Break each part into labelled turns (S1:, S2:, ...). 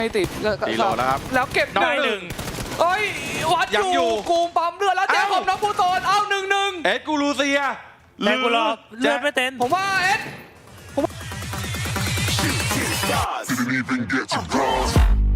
S1: ไม่ติด
S2: ตีโลแล้วครับ
S1: แล้วเก็บ
S3: ได้หนึ่ง
S1: เอ้ยวัด
S2: ยัง
S1: อ
S2: อยู่
S1: ยู่กูมปั๊มเลือดแล้วแจ็คของน้องปูโตนเอา1-1
S2: เอ็ดกูรูเซีย
S3: แต่กูรอเลือดไม่เต้น
S1: ผมว่าเอ็ด
S4: Didn't even get to cross.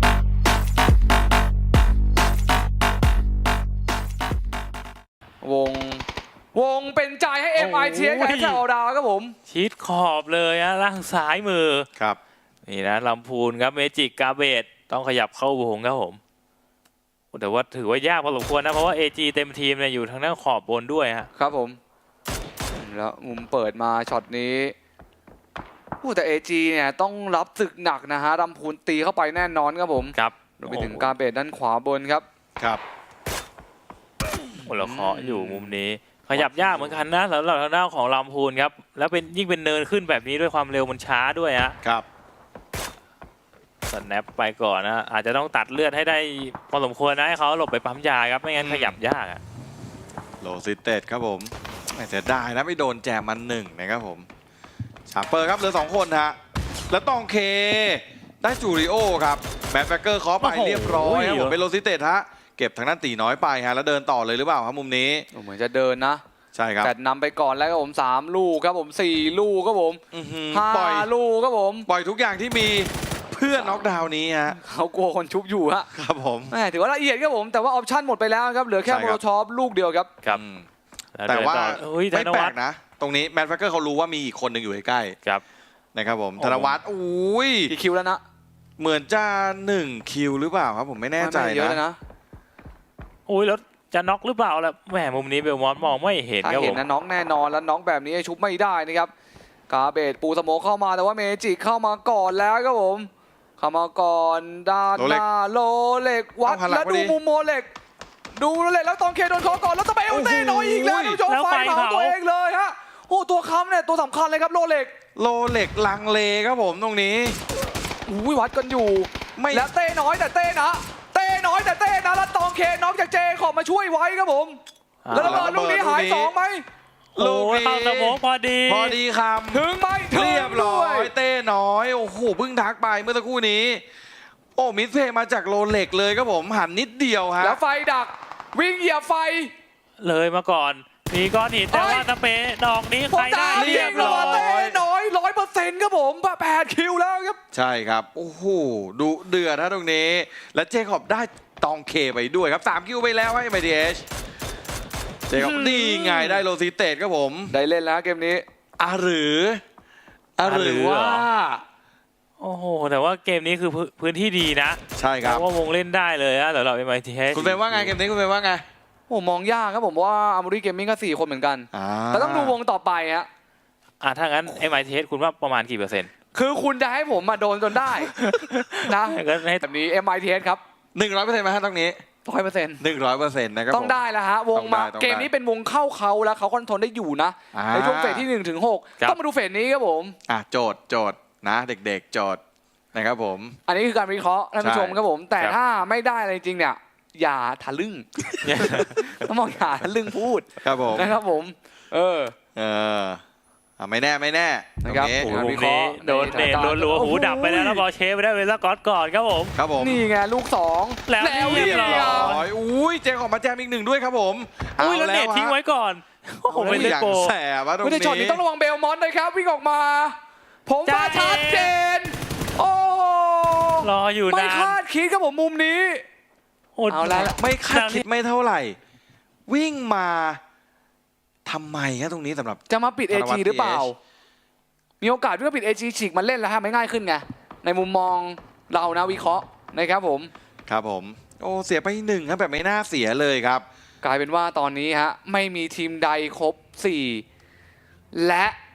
S1: วงเป็นใจให้ MIT กับแถวดาวครับผม
S3: ชิดขอบเลยอะล่างซ้ายมือ
S2: ครับ
S3: นี่นะลำพูนครับเมจิกกาเบตต้องขยับเข้าวงครับผมแต่ว่าถือว่ายากพอสมควรนะเพราะว่า AG เต็มทีมเนี่ยอยู่ทางด้านขอบบนด้วยฮะ
S1: ครับผมแล้วมุมเปิดมาช็อตนี้แต่ AG เนี่ยต้องรับศึกหนักนะฮะลำพูนตีเข้าไปแน่นอนครับผม
S3: ครับ
S1: รวมไปถึงการเบดด้านขวาบนครับ
S2: ครับ
S3: โอ้เราเคาะอยู่มุมนี้ ขยับยากเหมือนกันนะสำหรับทางด้านของลำพูนครับแล้วเป็นยิ่งเป็นเนินขึ้นแบบนี้ด้วยความเร็วมันช้าด้วยฮะ
S2: ครับ
S3: สแนปไปก่อนนะอาจจะต้องตัดเลือดให้ได้พอสมควรนะให้เขาหลบไปปั๊มยาครับไม่งั้นขยับยากอะ
S2: โลซิเต็ดครับผมไม่เสียดายนะไม่โดนแจมมัน1นะครับผมชาร์เปอร์ครับเหลือ2คนฮะแล้วตองเคได้จูริโอครับแมทแฟกเกอร์เคาะไปเรียบร้อยครับผมเป็นโลซิเต็ดฮะเก็บทางด้านตีน้อยไปฮะแล้วเดินต่อเลยหรือเปล่าครับมุมนี้
S1: เหมือนจะเดินนะ
S2: ใช่ครับ
S1: แต่นำไปก่อนแล้วครับผม3ลูกครับผม4ลูกครับผม
S2: อื้อหือปล่อย
S1: 5ลูกครับผม
S2: ปล่อยทุกอย่างที่มีเพื่อน็อกดาวน์นี้ฮะ
S1: เขากลัวคนชุบอยู่ฮะ
S2: ครับผม
S1: แหมถือว่าละเอียดครับผมแต่ว่าออปชั่นหมดไปแล้วครับเหลือแค่
S2: ใช่
S1: โม
S2: ครั
S1: โล
S2: บ
S1: ชอปลูกเดียวครับ
S3: ครับ
S2: อืม
S3: ล้
S2: แต่ว่า
S3: เดินต่ออุ้ยธ
S2: ไม่
S3: น
S2: แปล
S3: วัฒ
S2: ก
S3: น์
S2: นะ ตรงนี้แมทแฟกเกอร์เขารู้ว่ามีอีกคนหนึ่งอยู่ใกล้
S3: ครับ
S2: ๆนะครับผม
S3: โอ้
S2: ธนวัฒน์อุ้ย
S1: กี่คิวแล้วนะ
S2: เหมือนจะ1คิวหรือเปล่าครับผมไม่แน่ใจ
S1: ไม่เยอะเลย
S2: นะ
S1: นะ
S3: อุ้ยแล้วจะน็อกหรือเปล่าล่ะแหมมุมนี้เบลมอนมองไม่เห็น
S1: ถ้า
S3: ครับผ
S1: เห็น
S3: ม
S1: นะน้องแน่นอนแล้วน้องแบบนี้ชุบไม่ได้นะครับกาเบตปูสโมกเข้ามาแต่ว่าเมจิเข้ามาก่อนแล้วครับผมเข้ามาก่อนด้านหน้าโลเล็กวัด
S2: เอาหันหลัง
S1: แล้ว
S2: พอ
S1: ดู
S2: ดี
S1: มุมโมเล็กดูโลเล็กแล้วตองเคโดนเคาะก่อนแล้วตะเบลเต้น้อยอีกแล้ว
S2: โอ้โห
S1: ดูโจไฟเผาตัวเองเลยฮะโอ้ตัวค้ำเนี่ยตัวสำคัญเลยครับโลเล็ก
S2: โลเล็กลังเลครับผมตรงนี้
S1: อุ้ยวัดกันอยู่
S2: ไม่
S1: แล้วเต้น้อยแต่เต้นะเต้น้อยแต่เต้นะแล้วตองเคน้องจากเจขอบมาช่วยไว้ครับผมแล้วระเบิดลูกนี้หาย2ไหม
S3: โอ้ยเข้าสโมองพอดี
S2: พอดีค
S1: ถึงไหม
S2: ำเรียบร้อย
S1: ถึงด้วย
S2: เต้น้อยโอ้โหเพิ่งทักไปเมื่อสักครู่นี้ โอ้มิสเพย์มาจากโลเล็กเลยครับผมหันนิดเดียวฮะ
S1: แล้วไฟดักวิ่งเหยียบไฟ
S3: เลยมาก่อนมีก้อนหินแต่ว่าตะเปดอกนี้
S1: ผม
S3: ใครได้
S1: จะ
S3: เรียบร้อย
S1: เต้น้อย100%ครับผม8คิวแล้วครับ
S2: ใช่ครับโอ้โหดุเดือดนะตรงนี้ และเจคอบได้ตองเคไปด้วยครับ3คิวไปแล้วให้ MITH เจคอบนี่ไงได้โลซิเต็ดครับผม
S1: ได้เล่นแล้วเกมนี้
S2: หรือว่า
S3: โอ้โหแต่ว่าเกมนี้คือพื้นที่ดีนะ
S2: ใช่ครับ
S3: เพราะว่าวงเล่นได้เลยนะสำหรับ MITH
S2: คุณเป็นว่าไงเกมนี้คุณเป็นว่าไง
S1: โอ้มองยากครับผมว่าอาร์มอรี่เกมมิ่งก็4คนเหมือนกันแต่ต้องดูวงต่อไปฮะ
S3: ถ้างั้น MITH คุณว่าประมาณกี่เปอร์เซ็นต์
S1: คือคุณจะให้ผมมาโดนจนได้นะ
S3: ก็ให้
S1: แบบนี้ MITS ครับ
S2: 100%ไหมฮะตรงนี้
S1: 100%
S2: 100%นะครับ
S1: ต้องได้แล้วฮะวงมา
S2: ต้องได้
S1: เกมนี้เป็นวงเข้าเขาแล้วเขาคอนโทรลได้อยู่นะ
S2: อ่า
S1: ในช่วงเฟสที่1 ถึง 6ต้องมาดูเฟสนี้ครับผม
S2: โจทย์นะเด็กๆโจทย์นะครับผม
S1: อันนี้คือการวิเคราะห์ท่านผู้ชมครับผม แต่ถ้าไม่ได้อะไรจริงเนี่ยอย่าทะลึ่ง ต้องบอกอย่าทะลึ่งพูด
S2: ครับผม
S1: นะครับผม เออ
S2: ไม่แน่ไม่แน่
S1: นะครับ
S2: ตง
S3: โอ้โห
S1: การ
S3: ว
S1: วิ
S3: ง
S1: เคราะ
S3: นี้
S1: ห์
S3: โดนเนตรัวๆหูดับไปแล้วแล้วบอลเชฟไปได้เวลาก่อนครับผม
S2: ครับผม
S1: นี่ไงลูก2
S3: แล้วเรียบร้อย
S2: อุ้ยเจมของมาแจมอีก1ด้วยครับผม
S3: อุ้ยแล้วเนตทิ้งไว้ก่อนโอ้โห
S2: ผม
S3: เป็น
S2: ไม่
S3: เล่น
S2: อย่าง
S3: โก
S2: แสบวะตรง
S1: ไม่ได้ช็อตนี้
S2: นี้
S1: ต้องระวังเบลมอนต์นะครับวิ่งออกมา ผมว่า
S3: จ้า
S1: ชัดเจน โอ้
S3: รออยู่
S1: ไม่
S3: นาน
S1: คาดคิดครับผมมุมนี้
S3: โอ้
S1: เอาละ
S2: ไม่คาดคิดไม่เท่าไหร่ วิ่งมาทำไมครับตรงนี้สำหรับ
S1: จะมาปิด
S2: ธน
S1: AG
S2: วัฒน์
S1: หรือเปล่า
S2: TH
S1: มีโอกาสที่จะปิด AG ฉีกมาเล่นแล้วฮะไม่ง่ายขึ้นไง ในมุมมองเรานะวิเคราะห์นะครับผม
S2: ครับผม โอ้เสียไป1ครับแบบไม่น่าเสียเลยครับ
S1: กลายเป็นว่าตอนนี้ฮะไม่มีทีมใดครบ 4 และ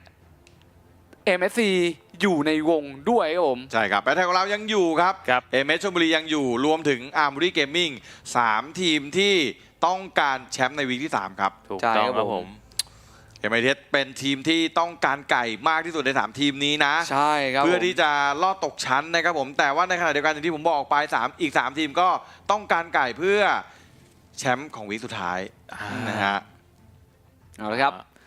S1: MSC อยู่ในวงด้วยครับผม
S2: ใช่ครับแบทแทนของเรายังอยู่ครับ
S3: ครับ
S2: เอเมชลบุรียังอยู่รวมถึงอาร์ม r รีเกมมิ่ง3ทีมที่ต้องการแชมป์ในวีคที่ 3 ครับ
S3: ถูก
S1: ใช่
S3: ต้อง
S1: ครับ
S3: ครับ
S1: ผ
S3: ผม ม
S2: เอเมเทสเป็นทีมที่ต้องการไก่มากที่สุดใน 3 ทีมนี้นะ
S1: ใช่ครับ
S2: เพื่อ
S1: ผม
S2: ที่จะลอดตกชั้นนะครับผมแต่ว่าในขณะเดียวกันอย่างที่ผมบอกไปอีก 3 ทีมก็ต้องการไก่เพื่อแชมป์ของวีคสุดท้ายนะฮะ
S1: เอาละครับ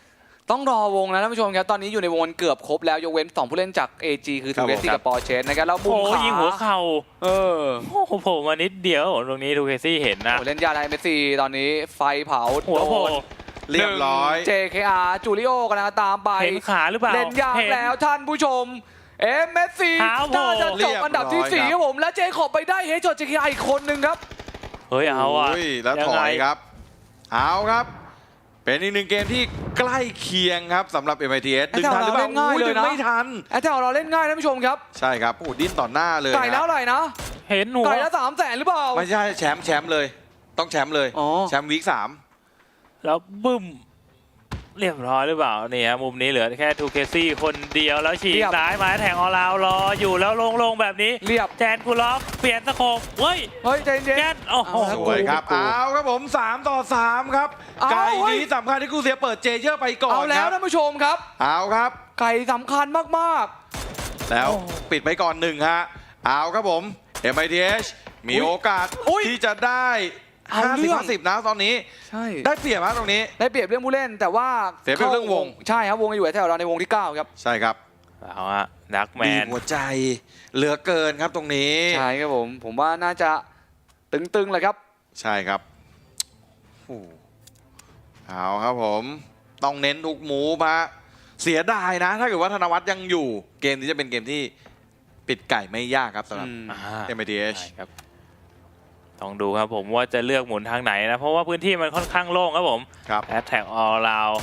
S1: ต้องรอวงนะท่านผู้ชมครับตอนนี้อยู่ในวงเกือบครบแล้วยกเว้น2ผู้เล่นจาก AG คือ
S2: ครั
S1: ทู
S2: บ
S1: เก
S2: ผม
S1: ซี่กับปอร์เชสนะครับแล้วมุ
S3: โอ้
S1: ม
S3: โห
S1: ขา
S3: ยิงหัวเข่า
S1: เออ
S3: โอ้โหโผล่มานิดเดียวตรงนี้ทูเคซี่เห็นนะ
S1: โอ้เล่นยาไดเมสซี่ตอนนี้ไฟเผา
S3: หัวโผล่
S2: เรียบร้อย
S1: JKR จูริโอกำลังตามไป
S3: เห็นขาหรือเปล่า
S1: เล่นยาก
S3: เห็น
S1: แล้วท่านผู้ชมเมสซี่
S3: เท้าโผล่
S1: น่าจะจบอันดับที่
S2: เรียบร้อย
S1: 4ครับผมและเจคอบไปได้เฮดช็อต JKR อีกคนหนึ่งครับ
S3: เฮ้ยเอาอ่ะ
S2: โยแล้วถอยครับ เอาครับ เป็นอีกหนึ่งเกมที่ใกล้เคียงครับสำหรับ MITS ดึงทันหรือเปล่า
S1: เล่นง่ายเลยนะ
S2: ดึงไม่ทัน
S1: แอตแทกเราเล่นง่ายท่านผู้ชมครับ
S2: ใช่ครับโอ้โหดิ้นต่อหน้าเลย
S1: ไก่แล้ว
S2: นะ
S1: อะไรนะ
S3: เห็นหัว
S1: ไก่แล้ว300,000หรือเปล่า
S2: ไม่ใช่แชมป์เลย ต้องแชมป์เลย
S1: อ๋อ
S2: แชมป์วีค
S3: แล้วบึ้มเรียบร้อยหรือเปล่านี่ฮะมุมนี้เหลือแค่ทูเคซี่คนเดียวแล้วฉีกซ้ายมาแทงออลาวรออยู่แล้วลงแบบนี้
S1: เรียบ
S3: แจนกูล็อกเปลี่ยนสโคปเฮ้ย
S1: เฮ้ยใจเย็น
S3: แจนโอ้โห
S1: เอา
S2: 3สวยครับ เอาครับผม3 ต่อ 3 ครับ
S1: เอา
S2: ไก่
S1: เฮ้ย
S2: นี้สำคัญที่กูเสียเปิดเจเยอร์ไปก่อน
S1: เอาแล้
S2: คว รับ
S1: ท่านผู้ชมครับ
S2: เอาครับ
S1: ไก่สำคัญมาก
S2: แล้วปิดไปก่อน1ฮะ เอาครับผม MITH มีโอกาส
S1: อุ๊ย
S2: ที่จะได้
S1: เอาเรื่อง
S2: 50-50นะตอนนี้
S1: ๆ ใช่
S2: ได้เปรียบฮะตรงนี้
S1: ได้เปรียบเรื่องผู้เล่นแต่ว่า
S2: เสียเปรียบเรื่องวง
S1: ใช่ครับวงอยู่แถวเราในวงที่ 9 ครับ
S2: ใช่ครับ
S3: เอาฮะดักแม
S2: บีบ
S3: น
S2: หัวใจเหลือเกินครับตรงนี้
S1: ใช่ครับผมว่าน่าจะตึงๆเลยครับ
S2: ใช่ครับโอ้เอาครับผม ต้องเน้นทุกหมูฮะเสียดายนะ ถ้าเกิดว่าธนวัฒน์ยังอยู่ เกมนี้จะเป็นเกมที่ปิดไก่ไม่ยากครับสำหรับ
S3: อ่า
S2: MITH
S3: ใช่ครับต้องดูครับผมว่าจะเลือกหมุนทางไหนนะ เพราะว่าพื้นที่มันค่อนข้างโล่งครับผม
S2: ครับ
S3: แอตแทกออลราว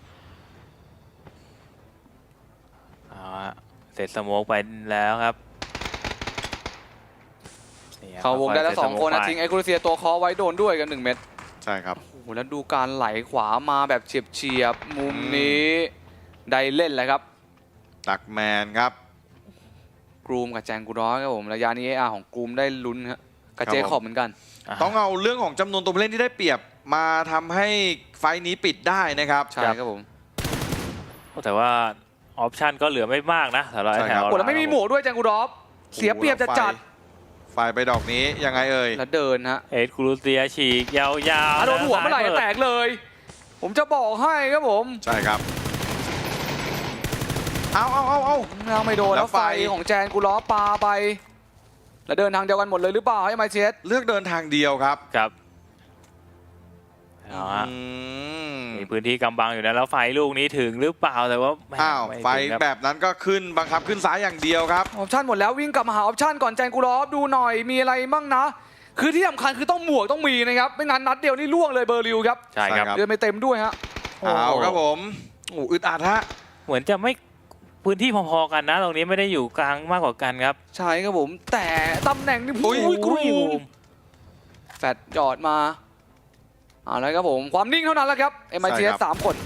S3: เอาฮะเสร็จสโมกไปแล้วครับนี่ครับ
S1: เขาวงได้แล้ว
S3: ค่ยๆ
S1: 2 คนนะ
S3: เสร็จสโมกไป
S1: ทิ้งไอคูเซียตัวคอไว้โดนด้วยกัน 1 เม็ด
S2: ใช่ครับ
S1: โอ้โหแล้วดูการไหลขวามาแบบเฉียบๆมุมนี้ได้เล่นเลยครับ
S2: ตักแมนครับ
S1: กรูมกับแจงกูร้อยครับผมระยะนี้ AR ของกรูมได้ลุ้นครับกับ
S2: ครับ
S1: เจ
S2: ผม
S1: คอบเหมือนกัน
S2: ต้องเอาเรื่องของจำนวนตัวผู้เล่นที่ได้เปรียบมาทำให้ไฟล์นี้ปิดได้นะครับ
S1: ใช่ครับผม
S3: แต่ว่าออปชันก็เหลือไม่มากนะสำหรับ
S2: ใช่
S3: แถ
S2: ครับ
S3: ว
S1: โอ้แล้วไม่มีหมวกด้วยแจงกูรอฟเสียเปรียบจะจัด
S2: ไฟล์ไปดอกนี้ยังไงเอ่ย
S1: แล้วเดินฮะ
S3: เอ็ดครูเซียฉีกยาวๆ
S1: โดนหัวเมื่อไหร่จะแตกเลย ผมจะบอกให้ครับผม
S2: ใช่ครับ เอา
S1: ยังไม่โดน
S2: แล้
S1: แล้ว ว
S2: ไฟ
S1: ไฟของแจนกูล้อปาไป แล้วเดินทางเดียวกันหมดเลยหรือเปล่าให้มาเชส
S2: เลือกเดินทางเดียวครับ
S3: ครับเอาฮะ
S2: อืม
S3: มีพื้นที่กำบังอยู่นะแล้วไฟลูกนี้ถึงหรือเปล่าแต่ว่าแม่
S2: อ้าว
S3: ม่
S2: ไฟ
S3: ถึงครับ
S2: แบบนั้นก็ขึ้นบังคับขึ้นซ้ายอย่างเดียวครับ
S1: ออปชั่นหมดแล้ววิ่งกลับมาหาออปชั่นก่อนแจนกูล้อดูหน่อยมีอะไรบ้างนะ คือที่สำคัญคือต้องหมวกต้องมีนะครับไม่งั้นนัดเดียวนี่ล่วงเลยเบอร์ริวครับ
S3: ใช่ครับ
S2: ใช่ครับ
S1: เดินไปเต็มด้วยฮะ
S3: โอ้โห
S2: เอาครับผมโอ้อึดอัดฮะ
S3: เหมือนจะไม่พื้นที่พอๆกันนะ ตรงนี้ไม่ได้อยู่กลางมากกว่ากันครับ
S1: ใช่ครับผมแต่ตำแหน่งนี่
S2: อุ้ย
S1: กรูมแฟดหยอดมาเอาละครับผมความนิ่งเท่านั้นแหละครับ MITS 3 คน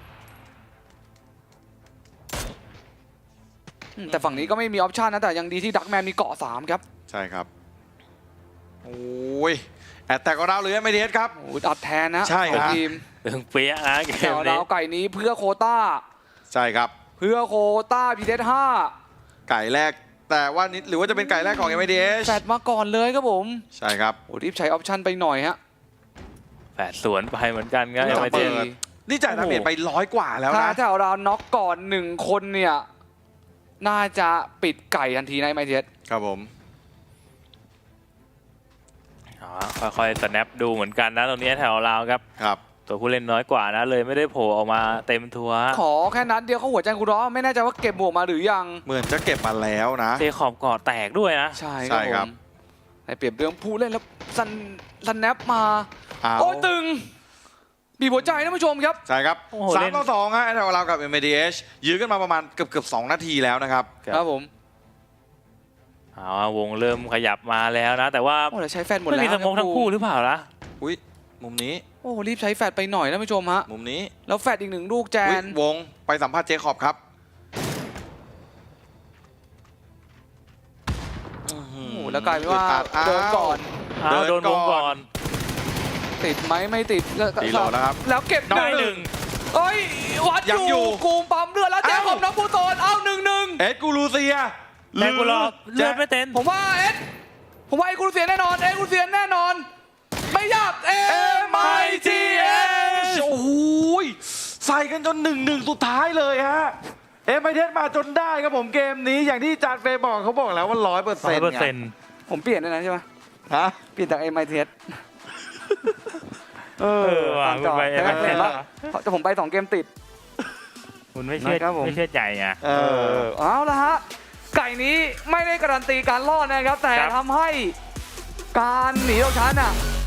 S1: แต่ฝั่งนี้ก็ไม่มีออปชันนะแต่ยังดีที่ดักแมนมีเกาะ3ครับ
S2: ใช่ครับ โอ้ยแอตแทกของเราหรือ MITH ครับ
S1: โอ้ยอัดแทนนะ
S2: ใช่ครับ
S1: ของทีม
S3: ตึงเปี้ยนะเก
S1: แถ
S3: ม
S1: ว
S3: นี้
S1: ดาวไก่นี้เพื่อโควต้า
S2: ใช่ครับ
S1: เพื่อโควต้าพีเดห้า
S2: ไก่แรก แต่ว่านิดหรือว่าจะเป็นไก่แรกของ MITH
S1: แฟดมาก่อนเลยครับผม
S2: ใช่ครับ
S1: โอ้รีบใช้ออปชันไปหน่อยฮะ
S3: แปดสวนไปเหมือนกันครับ
S2: ไม่
S3: เอ็
S2: ต้
S3: ม
S2: อง
S3: ไอ
S2: เปิ
S3: เจ
S2: ด นี่จ่ายดาเมจไป100 กว่าแล้ว
S1: ถ้า
S2: นะ
S1: แถวเราน็อกก่อน1 คนเนี่ยน่าจะปิดไก่ทันทีในไมเทส
S2: ครับผม
S3: ค่อยๆสแนปดูเหมือนกันนะตรงนี้แถวเราครับ
S2: ครับ
S3: ตัวผู้เล่นน้อยกว่านะเลยไม่ได้โผล่ออกมาเต็มทัวร์
S1: ขอแค่นัดเดียวเขาหัวใจกูร้อไม่แน่ใจว่าเก็บหมวกมาหรือยัง
S2: เหมือนจะเก็บมาแล้วนะ
S3: เทขอบเกาะแตกด้วยนะ
S1: ใช่
S2: ใช่
S1: ค
S2: ครั
S1: รับบ ผมในเปรียบเรื่องผู้เล่นแล้วสแนปมา
S2: เอา
S1: โอ้ยตึงบีบหัวใจท่านผู้ชมครับ
S2: ใช่ครับ
S3: โอ้โหเล่น
S2: 3 ต่อ 2 ฮะแถวเรากับ MITH ยื้อกันมาประมาณเกือบ2 นาทีแล้วนะครับ
S1: ครับผม
S3: เอาวงเริ่มขยับมาแล้วนะ แต่ว่า
S1: โอ้แล้วใช้แฟดหมด
S3: ไม่
S1: แล้ว
S3: มีสโมกทั้งคู่หรือเปล่าล่ะ
S2: อุ้ยมุมนี้
S1: โอ้รีบใช้แฟดไปหน่อยท่านผู้ชมฮะ
S2: มุมนี้
S1: แล้วแฟดอีก1 ลูกแจ
S2: อุ๊ย
S1: น
S2: วงไปสัมภาษณ์เจคอบครับ
S1: โอ้โหแล้วกลายเป็นว่า
S2: อึดอัด
S1: โดนก่อน
S3: อ้าวโดนวงก่อน
S1: ติดไหมไม่ติดแล้ว
S2: ตีโลแล้วครับ
S1: แล้วเก็บ
S3: ได้หนึ่ง
S1: เอ้ยวัด
S2: ยัง
S1: อ
S2: อยู่
S1: ยู่กูมปั๊มเลือดแล้วแจคอบน้องผู้โตนเอา1-1
S2: เอ็ดกูรูเซีย
S3: แต่กูรอเลือดไม่เต็ม
S1: ผมว่าผมว่าไอ้กูเสียแน่นอนกูเสียแน่นอน ไม่ยากMITS
S2: โอ้โหใส่กันจน 1-1 สุดท้ายเลยฮะเอ็มไอเทสมาจนได้ครับผมเกมนี้อย่างที่จานเฟย์บอกเขาบอกแล้วว่า 100%
S1: ผมเปลี่ยนด้วยนะใช่ไหม
S2: ฮะ
S1: เปลี่ยนจาก MITS
S3: ว่ะ
S1: ตามจอ
S3: คุณไป
S1: แต่
S3: MITS
S1: เห็นว่าแต่ผมไป2 เกมติด
S3: คุณไม่เชื่อ
S1: นะครับผม
S3: ไม่เชื่อใจอ่ะ
S1: เอาละฮะ ไก่นี้ไม่ได้การันตีการรอดนะครับ แต่
S3: ครับ
S1: ทำให้การหนีตกชั้นอ่ะ